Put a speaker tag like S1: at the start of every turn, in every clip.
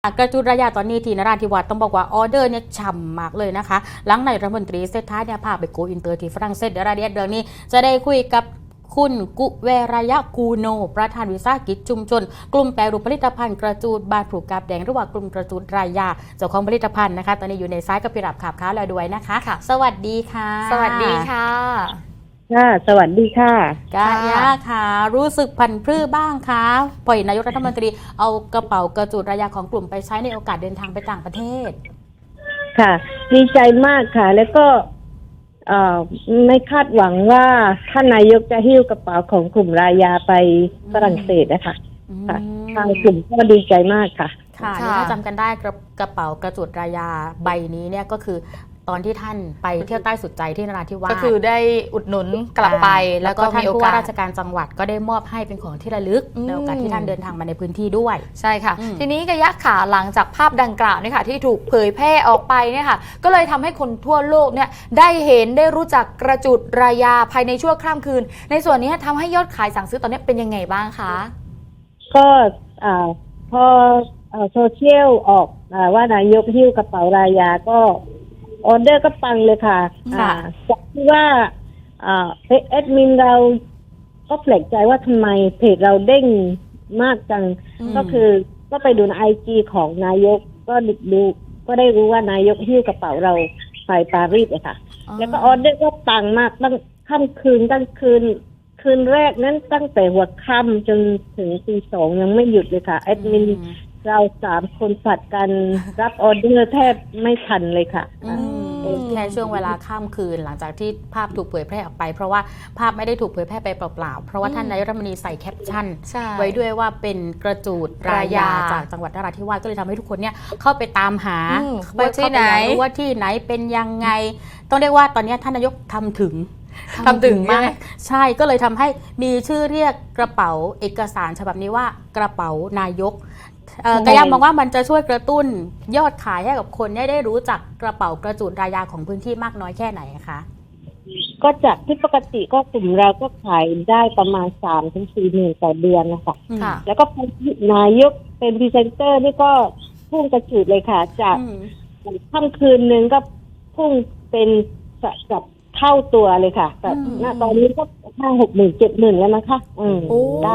S1: กระจุระยะตอนนี้ที่นราธิวาสต้องบอกว่าออเดอร์เนี่ยฉ่ำมากเลยนะคะหลังนายรัฐมนตรีเศรษฐาเนี่ยพาไปโกอินเตอร์ที่ฝรั่งเศสเดี๋ยวรายละเอียดเรื่องนี้จะได้คุยกับคุณกุเวรยะกูโนประธานวิสาหกิจชุมชนกลุ่มแปรรูปผลิตภัณฑ์กระจูดบานผูกกาบแดงหรือว่ากลุ่มกระจูดรายยาเจ้าของผลิตภัณฑ์นะคะตอนนี้อยู่ในสายกับพี่รับขับค้าแล้วด้วยนะคะสวัสดีค่ะ
S2: สวัสดีค่ะ
S3: สวัสดีค่ะ
S1: กายาค่ะรู้สึกผันพรื้บ้างคะปล่อยนายกรัฐมนตรีเอากระเป๋ากระจูดรายยาของกลุ่มไปใช้ในโอกาสเดินทางไปต่างประเทศ
S3: ค่ะดีใจมากค่ะแล้วก็ไม่คาดหวังว่าท่านนายกจะหิ้วกระเป๋าของกลุ่มรายยาไปฝรั่งเศสนะคะค่ะทางกลุ่มก็ดีใจมากค่ะ
S1: ค่ะถ้าจำกันได้กระเป๋ากระจูดรายยาใบนี้เนี่ยก็คือตอนที่ท่านไปเที่ยวใต้สุดใจที่นราธิวาส
S2: ก็คือได้อุดหนุนกลับไปแล้วก็
S1: ท่าน
S2: มีโอ
S1: ผู้
S2: กา
S1: ว่า
S2: ส
S1: ราชการจังหวัดก็ได้มอบให้เป็นของที่ระลึกในโอกาสที่ท่านเดินทางมาในพื้นที่ด้วย
S2: ใช่ค่ะทีนี้กะยะขาหลังจากภาพดังกล่าวเนี่ยค่ะที่ถูกเผยแพร่ออกไปเนี่ยค่ะก็เลยทำให้คนทั่วโลกเนี่ยได้เห็นได้รู้จักกระจุดรายยาภายในชั่วข้ามคืนในส่วนนี้ทำให้ยอดขายสั่งซื้อตอนนี้เป็นยังไงบ้างคะ
S3: ก็พอโซเชียลออกว่านายกหิ้วกระเป๋ารายยาก็ออเดอร์ก็ปังเลยค่ะจากที่ว่าแอดมินเราก็แปลกใจว่าทำไมเพจเราเด้งมากจังก็คือก็ไปดูในIGของนายกก็ดูก็ได้รู้ว่านายกหิ้วกระเป๋าเราไปปารีสเลยค่ะแล้วก็ออเดอร์ก็ปังมากตั้งค่ำคืนคืนแรกนั้นตั้งแต่หัวค่ำจนถึงตี 2ยังไม่หยุดเลยค่ะแอดมินเรา3 คนผัดกันรับออเดอร์แทบไม่ทันเลยค่ะ
S1: แค่ช่วงเวลาข้ามคืนหลังจากที่ภาพถูกเผยแพร่ออกไปเพราะว่าภาพไม่ได้ถูกเผยแพร่ไปเปล่าๆเพราะว่าท่านนายกรัฐมนตรีใส่แคปชั่นไว้ด้วยว่าเป็นกระจูดรายยาจากจังหวัดนราธิวาสก็เลยทำให้ทุกคนเนี่ยเข้าไปตามหา
S2: ว่าที่ไหน
S1: ว่าที่ไหนเป็นยังไงต้องเรียกว่าตอนนี้ท่านนายกทำถึงมากใช่ก็เลยทำให้มีชื่อเรียกกระเป๋าเอกสารฉบับนี้ว่ากระเป๋านายกกระยามองว่ามันจะช่วยกระตุ้นยอดขายให้กับคนได้รู้จักกระเป๋ากระจูดรายยาของพื้นที่มากน้อยแค่ไหนคะ
S3: ก็จากที่ปกติก็กลุ่มเราก็ขายได้ประมาณ 3-4 หมื่นต่อเดือนนะคะแล้วก็นายกเป็นพรีเซนเตอร์นี่ก็พุ่งกระจูดเลยค่ะจากค่ำคืนนึงก็พุ่งเป็นกับเท่าตัวเลยค่ะแต่ณตอนนี้ก็5-6 หมื่น 7 หมื่นแล้วนะคะได้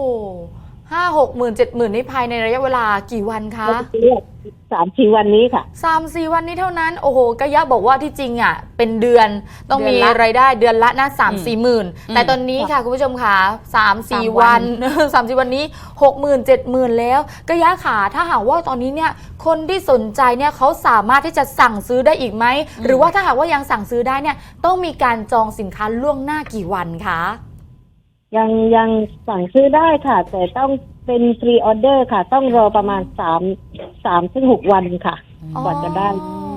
S2: 50,000 70,000นี่ภายในระยะเวลากี่วันคะ
S3: 3-4 วันนี้ค่ะ
S2: 3-4 วันนี้เท่านั้นโอ้โหกะยะบอกว่าที่จริงอ่ะเป็นเดือนต้องมีรายได้เดือนละนะ3-4 หมื่นแต่ตอนนี้ค่ะคุณผู้ชมค่ะ3-4 วัน3-4 วันนี้60,000 70,000แล้วกะยะค่ะถ้าหากว่าตอนนี้เนี่ยคนที่สนใจเนี่ยเขาสามารถที่จะสั่งซื้อได้อีกไหมหรือว่าถ้าหากว่ายังสั่งซื้อได้เนี่ยต้องมีการจองสินค้าล่วงหน้ากี่วันคะ
S3: ยังสั่งซื้อได้ค่ะแต่ต้องเป็นพรีออเดอร์ค่ะต้องรอประมาณ3-6 วันค่ะกว่าจะได้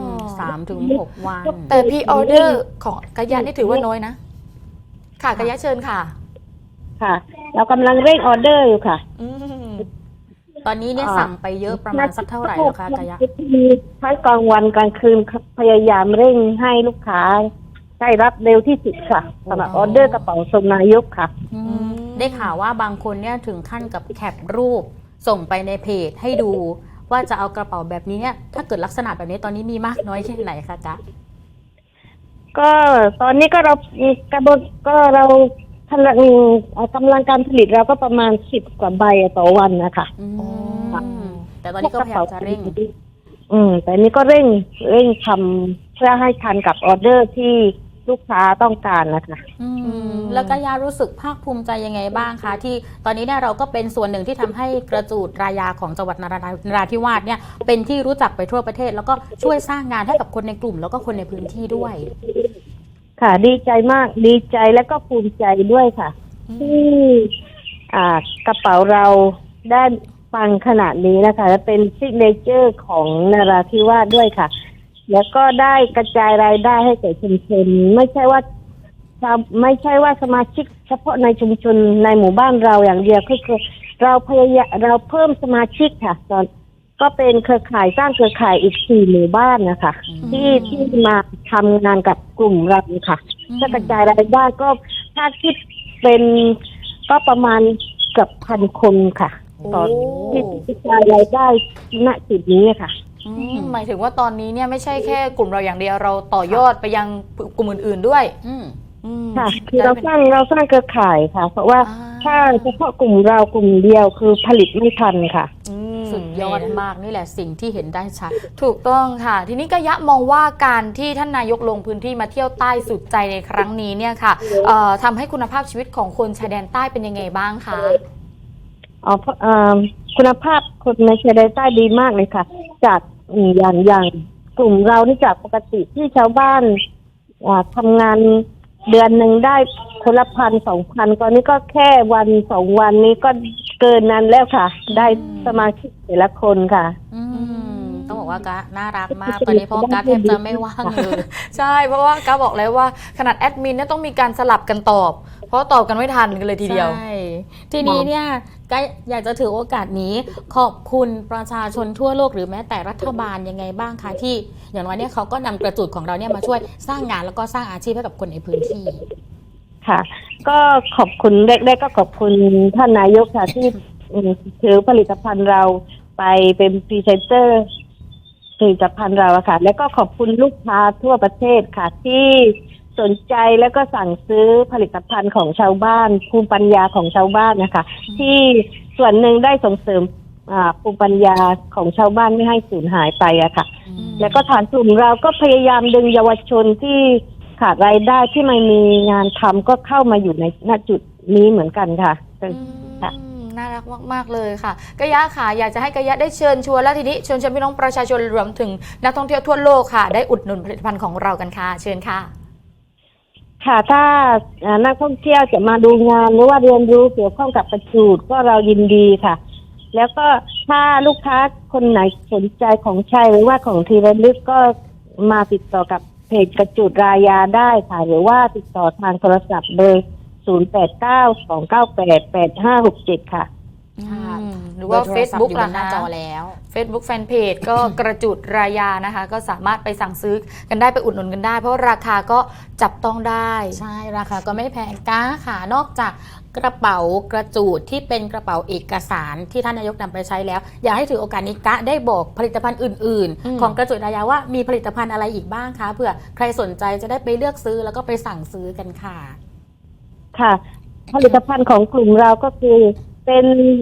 S1: 3-6 วัน
S2: แต่พรีออเดอร์ของกะยะนี่ถือว่าน้อยนะค่ะกะยะเชิญค่ะ
S3: ค่ะเรากำลังเร่งออเดอร์อยู่ค่ะ
S1: ตอนนี้เนี่ยสั่งไปเยอะประมาณสักเท่าไหร่แล้วคะกะยะ
S3: ทั้งกลางวันกลางคืนพยายามเร่งให้ลูกค้าได้รับเร็วที่สุดค่ะสำหรับออเดอร์กระเป๋าทรงนายกค่ะ
S1: ได้ข่าวว่าบางคนเนี่ยถึงขั้นกับแคปรูปส่งไปในเพจให้ดูว่าจะเอากระเป๋าแบบนี้เนี่ยถ้าเกิดลักษณะแบบนี้ตอนนี้มีมากน้อยแค่ไหนคะจ๊ะ
S3: ก็ตอนนี้ก็เราเรากำลังการผลิตเราก็ประมาณ10 กว่าใบต่อวันนะคะ
S1: แต่ตอนนี้ก็พยายามจะเร่ง
S3: แต่นี้ก็เร่งทำเพื่อให้ทันกับออเดอร์ที่ลูกค้าต้องการนะคะ
S1: แล้วก็ยารู้สึกภาคภูมิใจยังไงบ้างคะที่ตอนนี้เนี่ยเราก็เป็นส่วนหนึ่งที่ทำให้กระจูดรายยาของจังหวัดนราธิวาสเนี่ยเป็นที่รู้จักไปทั่วประเทศแล้วก็ช่วยสร้างงานให้กับคนในกลุ่มแล้วก็คนในพื้นที่ด้วย
S3: ค่ะดีใจมากดีใจและก็ภูมิใจด้วยค่ะที่กระเป๋าเราได้ปังขนาดนี้นะคะและเป็นซิกเนเจอร์ของนราธิวาสด้วยค่ะแล้วก็ได้กระจายรายได้ให้แก่ชุมชนไม่ใช่ว่าสมาชิกเฉพาะในชุมชนในหมู่บ้านเราอย่างเดียวคือเราเพิ่มสมาชิกค่ะตอนก็เป็นเครือข่ายสร้างเครือข่ายอีก4 หมู่บ้านนะคะที่มาทำงานกับกลุ่มเราค่ะถ้ากระจายรายได้ก็ถ้าคิดเป็นก็ประมาณเกือบ1,000 คนค่ะต่อที่กระจายรายได้ณจุดนี้ค่ะ
S2: หมายถึงว่าตอนนี้เนี่ยไม่ใช่แค่กลุ่มเราอย่างเดียวเราต่อยอดไปยังกลุ่มอื่นๆด้วย
S3: ค่ะคือเราสร้างเครือข่ายค่ะ เพราะว่าถ้าเฉพาะกลุ่มเรากลุ่มเดียวคือผลิตไม่ทันค่ะ
S1: สุดยอดมากนี่แหละสิ่งที่เห็นได้ชัด
S2: ถูกต้องค่ะ ทีนี้กะยะมองว่าการที่ท่านนายกลงพื้นที่มาเที่ยวใต้สุดใจในครั้งนี้เนี่ยค่ะทำให้คุณภาพชีวิตของคนชายแดนใต้เป็นยังไงบ้างคะ
S3: คุณภาพคนในชายแดนใต้ดีมากเลยค่ะ จากอย่างกลุ่มเรานี่จากปกติที่ชาวบ้านทำงานเดือนหนึ่งได้คนละ1,000-2,000ตอนนี้ก็แค่1-2 วันนี้ก็เกินนั้นแล้วค่ะ ได้สมาชิกแต่ละคนค่ะ
S1: ต้องบอกว่ากะน่ารักมากตอนนี้เพราะกะแทบจะไม่ว่างเลย
S2: ใช่เพราะว่ากาบอกแล้วว่าขนาดแอดมินเนี่ยต้องมีการสลับกันตอบ เพราะตอบกันไม่ทันกันเลยทีเดียว
S1: ใช่ทีนี้เนี่ยก็อยากจะถือโอกาสนี้ขอบคุณประชาชนทั่วโลกหรือแม้แต่รัฐบาลยังไงบ้างคะที่อย่างน้อยเนี่ยเขาก็นำกระจุดของเราเนี่ยมาช่วยสร้างงานแล้วก็สร้างอาชีพให้กับคนในพื้นที่
S3: ค่ะ ก็ขอบคุณแรกๆก็ขอบคุณท่านนายกค่ะที่ถือผลิตภัณฑ์เราไปเป็นพรีเซนเตอร์ผลิตภัณฑ์เราค่ะแล้วก็ขอบคุณลูกค้าทั่วประเทศค่ะที่สนใจแล้วก็สั่งซื้อผลิตภัณฑ์ของชาวบ้านภูมิปัญญาของชาวบ้านนะคะที่ส่วนหนึ่งได้ส่งเสริมภูมิปัญญาของชาวบ้านไม่ให้สูญหายไปอะค่ะแล้วก็ฐานกลุ่มเราก็พยายามดึงเยาวชนที่ขาดรายได้ที่ไม่มีงานทำก็เข้ามาอยู่ในณจุดนี้เหมือนกันค่ะ
S2: น่ารักมากๆเลยค่ะกะยะค่ะอยากจะให้กะยะได้เชิญชวนแล้วทีนี้เชิญพี่น้องประชาชนรวมถึงนักท่องเที่ยวทั่วโลกค่ะได้อุดหนุนผลิตภัณฑ์ของเรากันค่ะเชิญค่ะ
S3: ค่ะถ้านักท่องเที่ยวจะมาดูงานหรือว่าเรียนรู้เกี่ยวข้องกับกระจูดก็เรายินดีค่ะแล้วก็ถ้าลูกค้าคนไหนสนใจของใช้หรือว่าของที่ระลึกก็มาติดต่อกับเพจกระจูดรายาได้ค่ะหรือว่าติดต่อทางโทรศัพท์เบอร์0892988567ค่ะ
S2: หรือว่า Facebook
S1: ล่ะหน้าจอแล้ว
S2: Facebook Fanpage ก็กระจุดรายานะคะก็สามารถไปสั่งซื้อกันได้ไปอุดหนุนกันได้เพราะราคาก็จับต้องได้
S1: ใช่ราคาก็ไม่แพงก้าค่ะนอกจากกระเป๋ากระจูดที่เป็นกระเป๋าเอกสารที่ท่านนายกนำไปใช้แล้วอยากให้ถือโอกาสนี้กะได้บอกผลิตภัณฑ์อื่นๆของกระจุดรายาว่ามีผลิตภัณฑ์อะไรอีกบ้างคะเผื่อใครสนใจจะได้ไปเลือกซื้อแล้วก็ไปสั่งซื้อกันค่ะ
S3: ค่ะผลิตภัณฑ์ของกลุ่มเราก็คือเป็น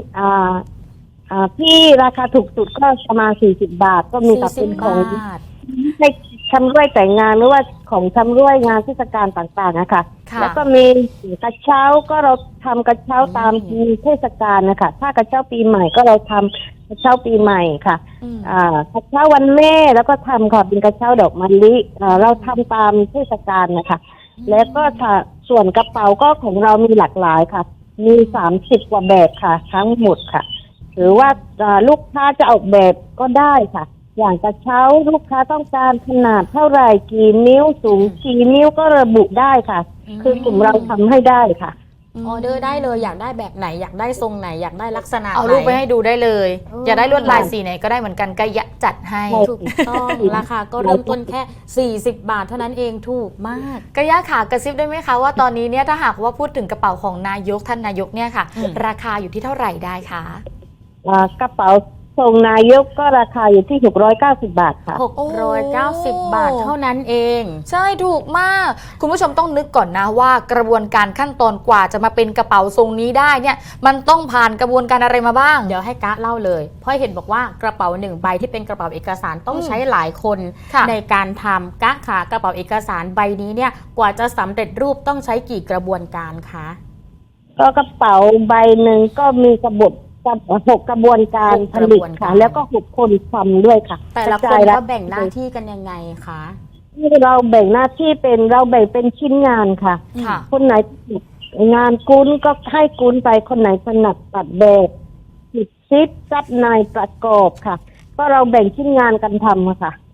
S3: ที่ราคาถูกสุดก็ประมาณ40 บาทก็มีกับเป็นของให้ชำร่วยแต่งงานหรือว่าของชำร่วยงานเทศกาลต่างๆนะคะแล้วก็มีกระเช้าก็เราทำกระเช้าตามเทศกาลนะคะถ้ากระเช้าปีใหม่ก็เราทำกระเช้าปีใหม่ค่ะกระเช้าวันแม่แล้วก็ทำค่ะเป็นกระเช้าดอกมะลิเราทำตามเทศกาลนะคะแล้วก็ส่วนกระเป๋าก็ของเรามีหลากหลายค่ะมี30 กว่าแบบค่ะทั้งหมดค่ะหรือว่าลูกค้าจะออกแบบก็ได้ค่ะอย่างกระเช้าลูกค้าต้องการขนาดเท่าไหร่กี่นิ้วสูงกี่นิ้วก็ระบุได้ค่ะคือกลุ่มเราทำให้ได้ค่ะ
S1: ออเดอร์ได้เลยอยากได้แบบไหนอยากได้ทรงไหนอยากได้ลักษณะไหน
S2: เอารูปไปให้ดูได้เลยอยากได้ลวดลายสีไหนก็ได้เหมือนกันกะยะจัดให้
S1: ถูกต้องราคาก็เริ่มต้นแค่40 บาทเท่านั้นเองถูกมาก
S2: กะยะขากระซิบได้ไหมคะว่าตอนนี้เนี่ยถ้าหากว่าพูดถึงกระเป๋าของนายกท่านนายกเนี่ยค่ะราคาอยู่ที่เท่าไหร่ได้คะ
S3: กระเป๋าส่งนายกก็ราคาอยู่ที่690 บาทค่ะ
S1: 690 บาทเท่านั้นเอง
S2: ใช่ถูกมากคุณผู้ชมต้องนึกก่อนนะว่ากระบวนการขั้นตอนกว่าจะมาเป็นกระเป๋าทรงนี้ได้เนี่ยมันต้องผ่านกระบวนการอะไรมาบ้าง
S1: เดี๋ยวให้กะเล่าเลยเพราะเห็นบอกว่ากระเป๋า1 ใบที่เป็นกระเป๋าเอกสารต้องใช้หลายคนในการทำกะขากระเป๋าเอกสารใบนี้เนี่ยกว่าจะสำเร็จรูปต้องใช้กี่กระบวนการคะ
S3: ก็กระเป๋าใบหนึ่งก็มี6 กระบวนการผลิตค่ะแล้วก็6 คนทำด้วยค่ะ
S1: แต่ละคนก็แบ่งหน้าที่กันยังไงคะ
S3: เราแบ่งหน้าที่เราแบ่งเป็นชิ้นงานค่ะคนไหนงานกุ้นก็ให้กุ้นไปคนไหนถนัดตัดแบบติดซิปซับในประกอบค่ะก็เราแบ่งชิ้นงานกันทำค่ะ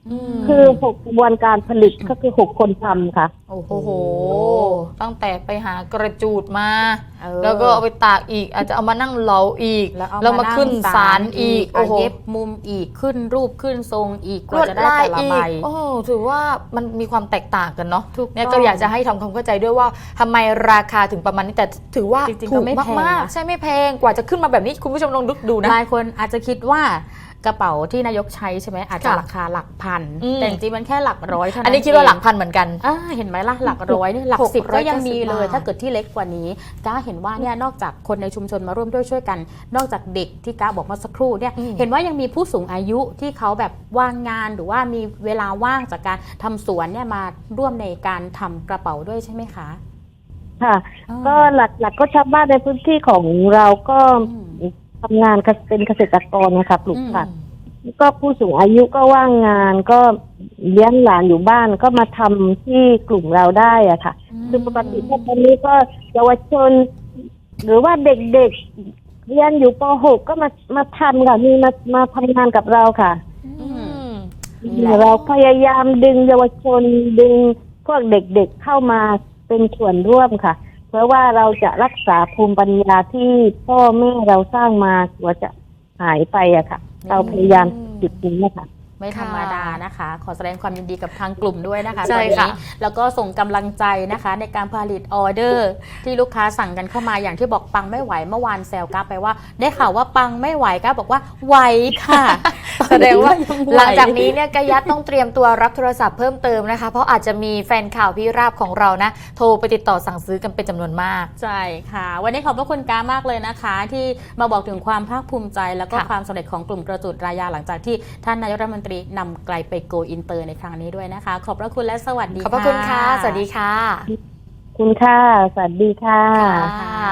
S3: คือ6กระบวนการผลิตก็คือ6คนทำค่ะ
S1: โอ้โห
S2: โอ้โห ตั้งแต่ไปหากระจูดมา
S1: เออ
S2: แล้วก็เอาไปตากอีก อาจจะเอามานั่งเหลาอีก
S1: แล้วเอา
S2: แล้วมาขึ้น
S1: ง
S2: ศาลอีก โอ้โห
S1: เย็บมุมอีกขึ้นรูปขึ้นทรงอีกก
S2: ล
S1: ว่าว
S2: ด
S1: จะได้
S2: ลาย
S1: แต่ละ
S2: อี
S1: ใบ
S2: กโอ้ถือว่ามันมีความแตกต่างกันเนาะ
S1: ถูก
S2: เนี่ย
S1: ต้
S2: ก็
S1: อง
S2: อยากจะให้ทำความเข้าใจด้วยว่าทำไมราคาถึงประมาณนี้แต่ถือว่า
S1: จริงๆ
S2: ถู
S1: ก็
S2: ก
S1: ไม่แพง
S2: มาก
S1: นะ
S2: ๆใช่ไม่แพงกว่าจะขึ้นมาแบบนี้คุณผู้ชมลองดูนะ
S1: หลายคนอาจจะคิดว่ากระเป๋าที่นายกใช้ใช่ไหมอาจจะ
S2: ค่ะ
S1: ราคาหลักพัน
S2: อืม
S1: แต่จริงๆมันแค่หลักร้อยเท่านั้น
S2: อันนี้คิดว่าหลัก
S1: เอง
S2: พันเหมือนกัน
S1: เห็นไหมล่ะหลักร้อยนี่หลักสิบ
S2: 690
S1: ก็ยังมีเลย
S2: บาท
S1: ถ้าเกิดที่เล็กกว่านี้ก้าเห็นว่าเนี่ยนอกจากคนในชุมชนมาร่วมด้วยช่วยกัน นอกจากเด็กที่ก้าบอกเมื่อสักครู่เนี่ยเห็นว่ายังมีผู้สูงอายุที่เขาแบบว่างงานหรือว่ามีเวลาว่างจากการทำสวนเนี่ยมาร่วมในการทำกระเป๋าด้วยใช่ไหมคะ
S3: ค่ะ
S1: อ๋อ
S3: ก็หลักๆก็ชาวบ้านในพื้นที่ของเราก็
S1: อืม
S3: ทำงานเป็นเกษตรกรนะคะปลูกผัก
S1: อืม
S3: ก็ผู้สูงอายุก็ว่างงานก็เลี้ยงหลานอยู่บ้านก็มาทำที่กลุ่มเราได้อะค่ะคือปกติถ้าตอนนี้ก็เยาวชน หรือว่าเด็กๆเรียนอยู่ป .6 ก็มาทำค่ะมีมาทำงานกับเราค่ะ
S1: อืม
S2: นี่แหละ
S3: เราพยายามดึงเยาวชนดึงพวกเด็กๆเข้ามาเป็นส่วนร่วมค่ะ เพราะว่าเราจะรักษาภูมิปัญญาที่พ่อแม่เราสร้างมาว่าจะหายไปอะค่ะ เราพยายามจุดนี้นะคะ
S1: ไม่ธรรมดานะคะ ขอแสดงความยินดีกับทางกลุ่มด้วยนะคะ
S2: ใช่
S1: ตอน
S2: ค่ะ
S1: นี้แล้วก็ส่งกำลังใจนะคะ ในการผลิตออเดอร์ ที่ลูกค้าสั่งกันเข้ามาอย่างที่บอกปังไม่ไหวเมื่อวานแซวก้าไปว่า ได้ข่าวว่าปังไม่ไหวก้าบอกว่าไหวค่ะ
S2: แสดงว่า
S1: ยังไ
S2: หลังจากนี้เนี่ยกะยัดต้องเตรียมตัวรับโทรศัพท์เพิ่มเติมนะคะ เพราะอาจจะมีแฟนข่าวพี่ราบของเรานะ โทรไปติดต่อสั่งซื้อกันเป็นจำนวนมาก
S1: ใช่ค่ะ วันนี้ขอบพระคุณก้ามากเลยนะคะ ที่มาบอกถึงความภาคภูมิใจ แล้วก็
S2: ค่ะ
S1: ความสำเร็จของกลุ่มกระจุดรายาหลังจากที่ท่านนายกรัฐมนตรีนำไกลไปโกอินเตอร์ในครั้งนี้ด้วยนะคะ ขอบพระคุณและสวัสดี
S2: ขอบพระคุณค่ะ สวัสดีค่ะ
S3: คุณค่ะ สวัสดีค่ะ
S1: ค่ะ